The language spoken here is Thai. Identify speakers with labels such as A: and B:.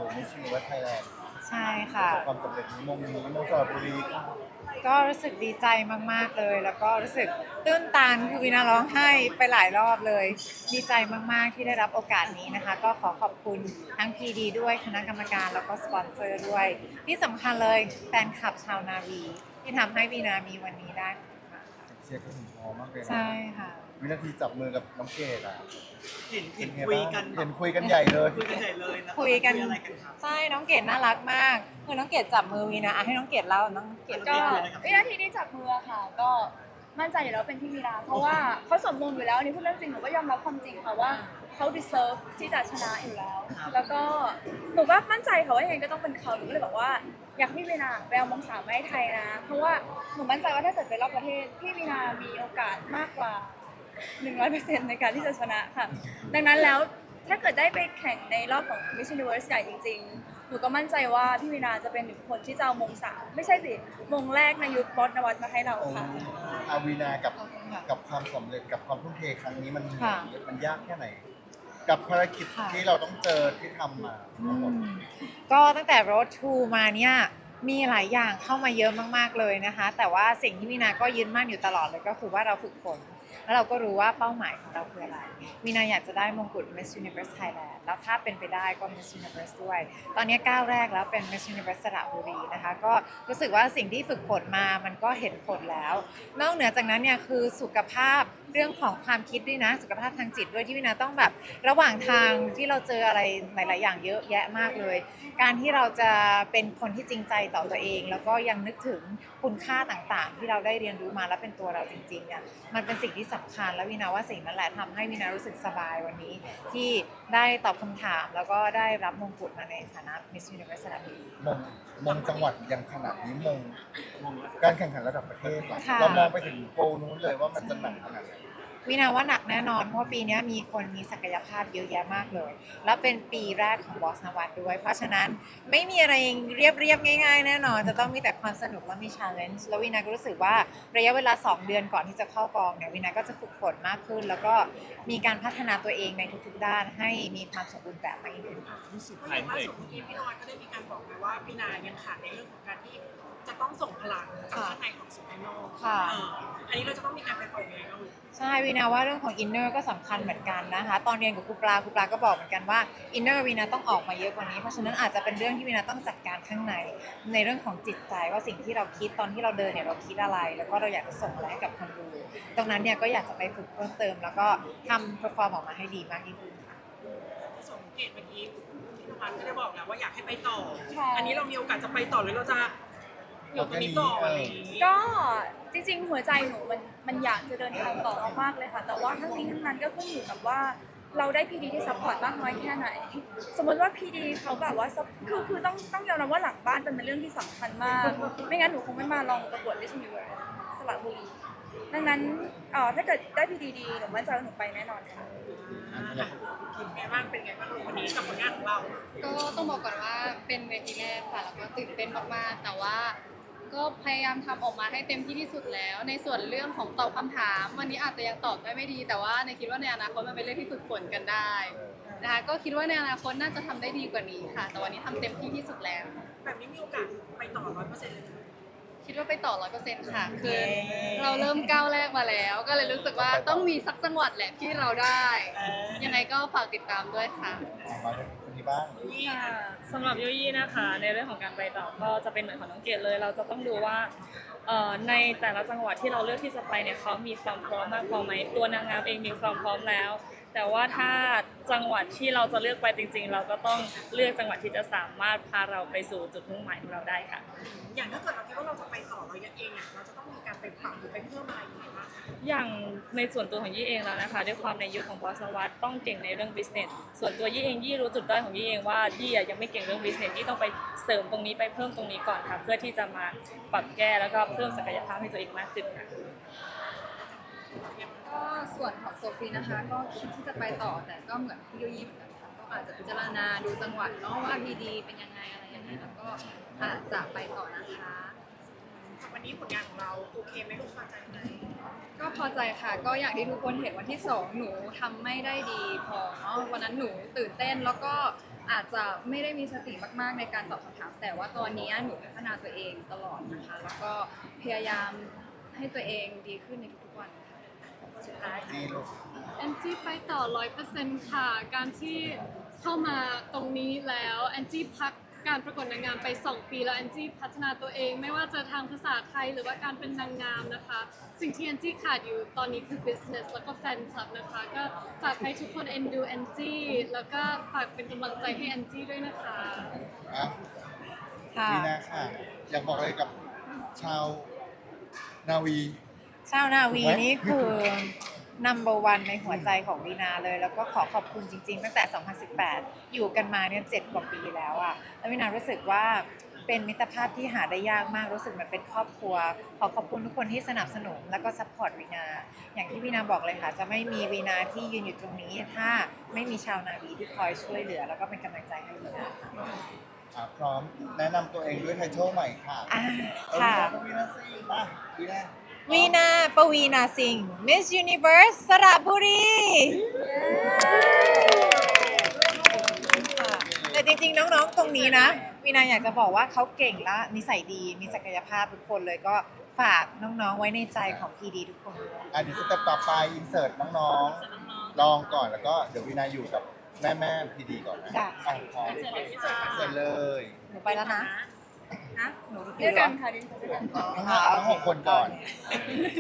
A: Miss Universe Thailand
B: ใช่
A: ป
B: ค่ะ
A: ระสบความสำเร็จมงนี้มงสระบุรี
B: ก็รู้สึกดีใจมากๆเลยแล้วก็รู้สึกตื้นตันคือวินาร้องไห้ไปหลายรอบเลยดีใจมากๆที่ได้รับโอกาสนี้นะคะก็ขอขอบคุณทั้ง PD ด้วยคณะกรรมการแล้วก็สปอนเซอร์ด้วยที่สำคัญเลยแฟนคลับชาวนาวีที่ทำให้วีนามีวันนี้ได้
A: เชียร์กันถึงพอมากเลยนะ
B: ใช่ค่ะ
A: วินาทีจับมือกับน้องเกดอ่ะ
C: เห็น
A: เป็นไง
C: คุย
A: บ้าง
C: กัน
A: เห็นคุยกันใหญ่เลย
C: คุยกันใหญ่เลยนะ
B: คุยกัน
C: อะไรกันครับ
B: ใช่น้องเกดน่ารักมากคือน้องเกดจับมือวีนาให้น้องเกดเล่าน้องเกด
D: ก็วินาทีที่จับมือค่ะ ก็มั่นใจอยู่แล้วเป็นพี่มีนาเพราะว่าเขาสมบูรณ์อยู่แล้วอันนี่พูดเรื่องจริงหนูก็ยอมรับความจริงค่ะว่าเขา deserve ที่จะชนะอยู่แล้ว แล้วก็หนูก็มั่นใจค่ะว่ายังไงก็ต้องเป็นเขาหนูก็เลยบอกว่าอยากให้พี่มีนาไปเอามงสามมาให้ไทยนะ เพราะว่าหนูมั่นใจว่าถ้าเกิดไปรอบประเทศพี่มีนามีโอกาสมากกว่า 100%ในการที่จะชนะค่ะ ดังนั้นแล้วถ้าเกิดได้ไปแข่งในรอบของ Miss Universe ใหญ่จริงๆ หนูก็มั่นใจว่าพี่วีนาจะเป็นหนึ่งคนที่จะเอามงสามไม่ใช่สิมงแรกในยุคบอสนวัตมาให้เราค่ะ
A: อาวีนากับความสำเร็จกับความทุ่มเทครั้งนี้มันยากแค่ไหน กับภารกิจที่เราต้องเจอที่ทำมาทั้งหมด
B: ก็ตั้งแต่ Road to มาเนี่ยมีหลายอย่างเข้ามาเยอะมากๆเลยนะคะแต่ว่าสิ่งที่วีนาก็ยึดมั่นอยู่ตลอดเลยก็คือว่าเราฝึกฝนแล้วเราก็รู้ว่าเป้าหมายของเราคืออะไรวีนาอยากจะได้มงกุฎ Miss Universe Thailand แล้วถ้าเป็นไปได้ก็ Miss Universe ด้วยตอนนี้ก้าวแรกแล้วเป็น Miss Universe สระบุรีนะคะก็รู้สึกว่าสิ่งที่ฝึกฝนมามันก็เห็นผลแล้ว นอกเหนือจากนั้นเนี่ยคือสุขภาพเรื่องของความคิดด้วยนะสุขภาพทางจิตด้วยที่วินาต้องแบบระหว่างทางที่เราเจออะไรหลาย ๆ อย่างเยอะแยะมากเลย การที่เราจะเป็นคนที่จริงใจต่อตัวเอง แล้วก็ยังนึกถึงคุณค่าต่าง ๆ ที่เราได้เรียนรู้มาแล้วเป็นตัวเราจริง ๆ เนี่ยมันเป็นสิ่งที่สำคัญและวินาว่าสิ่งนั้นแหละทำให้วินารู้สึกสบายวันนี้ ที่ได้ตอบคำถามแล้วก็ได้รับมงกุฎมาในฐานะ Miss Universe สระบุรี
A: มงจังหวัดยังขนาดนี้การแข่งขันระดับประเทศอะ
B: ค่ะ
A: เรามองไปถึงโกลนู้นเลยว่ามันจะหนักขนาดไหน
B: วินาว่าหนักแน่นอนเพราะปีนี้มีคนมีศักยภาพเยอะแยะมากเลย แล้วเป็นปีแรกของบอสนวัตด้วย เพราะฉะนั้นไม่มีอะไรเรียบง่ายๆแน่นอนจะต้องมีแต่ความสนุกและมี challenge แล้ววินาก็รู้สึกว่าระยะเวลา2 เดือนก่อนที่จะเข้ากองเนี่ยวินาก็จะฝึกฝนมากขึ้น แล้วก็มีการพัฒนาตัวเองในทุกๆด้านให้มีความสมบูรณ์แบบมากยิ่งขึ้น
C: ใช่ล่าสุดเมื่อกี้พี่นวัดก็ได้มีการบอกไว้ว่าพี่นายังขาดในเรื่องของการที่จะต้องส่งพลังจากข้างในของสู่ภายนอก
B: ค่ะ
C: อันนี้เราจะต้องมีการไปปรับยังไงบ้าง
B: ใช่วีนาว่าเรื่องของอินเนอร์ก็สำคัญเหมือนกันนะคะตอนเรียนกับครูปลาก็บอกเหมือนกันว่าอินเนอร์วีนาต้องออกมาเยอะกว่านี้เพราะฉะนั้นอาจจะเป็นเรื่องที่วีนาต้องจัดการข้างในเรื่องของจิตใจว่าสิ่งที่เราคิดตอนที่เราเดินเนี่ยเราคิดอะไร แล้วก็เราอยากจะส่งอะไรให้กับคนดูตรงนั้นเนี่ยก็อยากจะไปฝึกเพิ่มเติม แล้วก็ทำเพอร์ฟอร์มออกมาให้ดีมากยิ่งขึ้น
C: สังเกตเมื่อกี้พี่นวัดก็ได้บอกแล้วว่าอยากให้ไปต่อ
D: ค่ะ
C: อันนี้เรามีโอกาสจะไปต่อหรือเราจะอยู่ตรงนี้ก่อนอะไรอย่างนี้
D: ก็จริงๆหัวใจหนูมันอยากจะเดินทางต่อมากๆเลยค่ะ แต่ว่าทั้งนี้ทั้งนั้นก็ขึ้นอยู่กับว่าเราได้พีดีที่ซัพพอร์ตมากน้อยแค่ไหน สมมติว่าพีดีเขาแบบว่าคือต้องยอมรับว่าหลังบ้านเป็นเรื่องที่สำคัญมาก ไม่งั้นหนูคงไม่มาลองประกวด Miss Universe สระบุรีดังนั้นถ้าเกิดได้พีดีดีหนูมั่นใจว่าหนูไปแน่นอนค่ะ
C: คิดไงบ้างเป็นไงบ้างวันนี้กับผลงานของเรา
E: ก็ต้องบอกก่อนว่าเป็นเวทีแรกค่ะแล้วก็ตื่นเต้นมากๆแต่ว่าก็พยายามทำออกมาให้เต็มที่ที่สุดแล้ว ในส่วนเรื่องของตอบคำถามวันนี้อาจจะยังตอบได้ไม่ดี แต่ว่าในคิดว่าในอนาคตมันเป็นเรื่องที่ฝึกฝนกันได้นะคะก็คิดว่าในอนาคตน่าจะทำได้ดีกว่านี้ค่ะ แต่วันนี้ทำเต็มที่ที่สุดแล้ว
C: แบบนี้มีโอกาสไปต่อ 100%เลยไหม
E: คิดว่าไปต่อ 100% ค่ะคือเราเริ่มก้าวแรกมาแล้ว ก็เลยรู้สึกว่าต้องมีสักจังหวัดแหละที่เราได้ ยังไงก็ฝากติดตามด้วยค่ะ
A: มาถึงคนนี้บ้าง
F: สำหรับยุยี่นะคะในเรื่องของการไปต่อก็จะเป็นเหมือนของน้องเกดเลย เราจะต้องดูว่าในแต่ละจังหวัดที่เราเลือกที่จะไปเนี่ยเขามีความพร้อมมากพอไหมตัวนางงามเองมีความพร้อมแล้ว แต่ว่าถ้าจังหวัดที่เราจะเลือกไปจริง ๆ เราก็ต้องเลือกจังหวัดที่จะสามารถพาเราไปสู่จุดมุ่งหมายของเราได้ค่ะ
C: อย่างถ้าเกิดเราคิดว่าเราจะไปต่อเราเองอ่ะเราจะต้องมีการไปปรับหรือไปเพิ่มอะไรยังไงบ้างคะ
F: อย่างในส่วนตัวของยี่เองแล้วนะคะด้วยความในยุคของบอสวัตต้องเก่งในเรื่อง business ส่วนตัวยี่เองยี่รู้จุดด้อยของยี่เองว่ายี่ยังไม่เก่งเรื่อง business ยี่ต้องไปเสริมตรงนี้ไปเพิ่มตรงนี้ก่อนค่ะเพื่อที่จะมาปรับแก้แล้วก็เพิ่มศักยภาพให้ตัวเองมากขึ้นค่ะ
G: ก็ส่วนของโซฟีนะคะก็คิดที่จะไปต่อแต่ก็เหมือนพี่ยุยี่เหมือนกันค่ะก็อาจจะพิจารณาดูจังหวัดเนาะว่าพีดีเป็นยังไงอะไรยังไงแล้วก็อาจจะไปต่อนะคะ
C: วันนี้ผลงานของเราโอเคไหมลูกพอใจไหม
G: ก็พอใจค่ะก็อย่างที่ทุกคนเห็นวันที่2หนูทำไม่ได้ดีพอเนาะวันนั้นหนูตื่นเต้นแล้วก็อาจจะไม่ได้มีสติมากๆในการตอบคำถาม แต่ว่าตอนนี้หนูพัฒนาตัวเองตลอดนะคะ แล้วก็พยายามให้ตัวเองดีขึ้นในทุกๆวันค่ะสุดท้าย
A: จีลูก
H: แอนจี้ไปต่อ 100%ค่ะ การที่เข้ามาตรงนี้แล้วแอนจี้พักการประกวดนางงามไป 2 ปีแล้วแอนจี้พัฒนาตัวเอง ไม่ว่าจะทางภาษาไทยหรือว่าการเป็นนางงามนะคะ สิ่งที่แอนจี้ขาดอยู่ตอนนี้คือ business แล้วก็แฟนคลับนะคะ ก็ฝากให้ทุกคนเอ็นดูแอนจี้แล้วก็ฝากเป็นกำลังใจให้แอนจี้ด้วยนะคะ
A: อ่ะ
B: ค่ะ
A: วีนาค่ะ อยากบอกอะไรกับชาวนาวี
B: ชาวนาวี
A: ถูกไหม
B: นี่คือ number one ในหัวใจของวีนาเลย แล้วก็ขอขอบคุณจริง ๆ ตั้งแต่ 2018 อยู่กันมาเนี่ย7 กว่าปีแล้วอะแล้ววีนารู้สึกว่าเป็นมิตรภาพที่หาได้ยากมาก รู้สึกเหมือนเป็นครอบครัว ขอขอบคุณทุกคนที่สนับสนุนแล้วก็ซัพพอร์ตวีนา อย่างที่วีนาบอกเลยค่ะ จะไม่มีวีนาที่ยืนอยู่ตรงนี้ ถ้าไม่มีชาวนาวีที่คอยช่วยเหลือ แล้วก็เป็นกำลังใจให้วีนาค่ะ
A: พร้อมแนะนำตัวเองด้วยไททอลใหม่ค่ะ
B: อ่า
A: เอา
B: ค่ะ
A: วีนาซีมาวีนา
B: วีนาปวีนาสิงห์ Miss Universe สระบุรีค่ะแต่จริงๆ น้องๆ ตรงนี้นะ วีนาอยากจะบอกว่าเขาเก่งและนิสัยดี มีศักยภาพทุกคนเลยก็ฝากน้องๆ ไว้ในใจของพีดีทุกคนด้วย
A: เดี๋ยวสเต็ปต่อไปอินเสิร์ตน้องๆ ลองก่อนแล้วก็เดี๋ยววีนาอยู่กับแม่พีดีก่อนนะ
B: จ้ะ
A: อ่ะพร้อมเสร็จเลย
B: หนูไปแล้วนะ หนู
D: ด้วยกันค่ะดิฉันด้วยกัน
A: ทั้งหกคนก่อน